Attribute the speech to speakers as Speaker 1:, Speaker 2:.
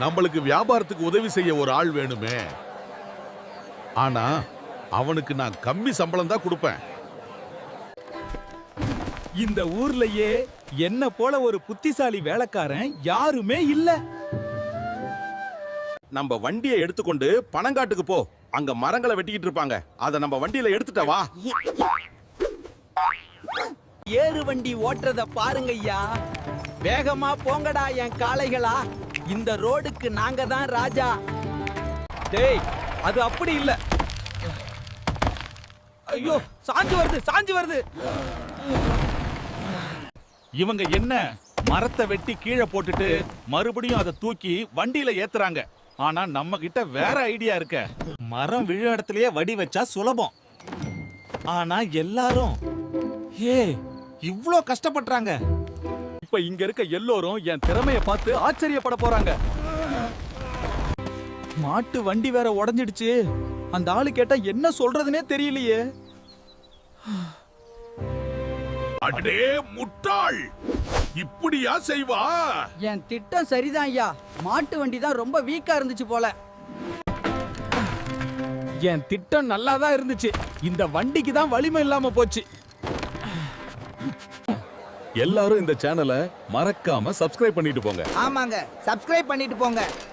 Speaker 1: நம்மளுக்கு வியாபாரத்துக்கு உதவி செய்ய ஒரு ஆள் வேணுமே. ஆனா அவனுக்கு நான் கம்மி சம்பளம் தான் கொடுப்பேன்.
Speaker 2: இந்த ஊர்லயே என்ன போல ஒரு புத்திசாலி வேலைக்காரன் யாருமே இல்ல.
Speaker 1: நம்ம வண்டியை எடுத்துக்கொண்டு பனங்காட்டுக்கு போ. அங்க மரங்களை வெட்டிக்கிட்டு இருப்பாங்க. அத நம்ம வண்டியில எடுத்துட்ட வா.
Speaker 2: ஏறு வண்டி ஓட்டுறத பாருங்க ஐயா. வேகமா போங்கடா என் காளைகளா. இந்த ரோடுக்கு நாங்க தான் ராஜா. டேய், அது அப்படி இல்ல. ஐயோ, சாஞ்சு வருது, சாஞ்சு வருது.
Speaker 3: இவங்க என்ன மரத்தை வெட்டி கீழே போட்டுட்டு மறுபடியும் அதை தூக்கி வண்டியில ஏத்துறாங்க. ஆனா நம்ம கிட்ட வேற ஐடியா இருக்க. மரம் விழ இடத்துலயே வடி வச்சா சுலபம். ஆனா எல்லாரும் இவ்ளோ கஷ்டப்படுறாங்க.
Speaker 2: இப்ப இங்க இருக்க எல்லோரும் என் திறமைய பார்த்து ஆச்சரியப்பட போறாங்க. மாட்டு வண்டி வேற உடைஞ்சிடுச்சு. அந்த ஆளு கேட்டா என்ன சொல்றதுனே தெரியலையே.
Speaker 1: அடே முட்டாள், இப்படியா செய்வா?
Speaker 4: என் திட்டம் சரிதான் ஐயா. மாட்டு வண்டி தான் ரொம்ப வீக்கா இருந்துச்சு போல.
Speaker 2: என் திட்டம் நல்லா தான் இருந்துச்சு. இந்த வண்டிக்கு தான் வலிமை இல்லாம போச்சு.
Speaker 1: எல்லாரும் இந்த சேனலை மறக்காம சப்ஸ்கிரைப் பண்ணிட்டு போங்க.
Speaker 4: ஆமாங்க, சப்ஸ்கிரைப் பண்ணிட்டு போங்க.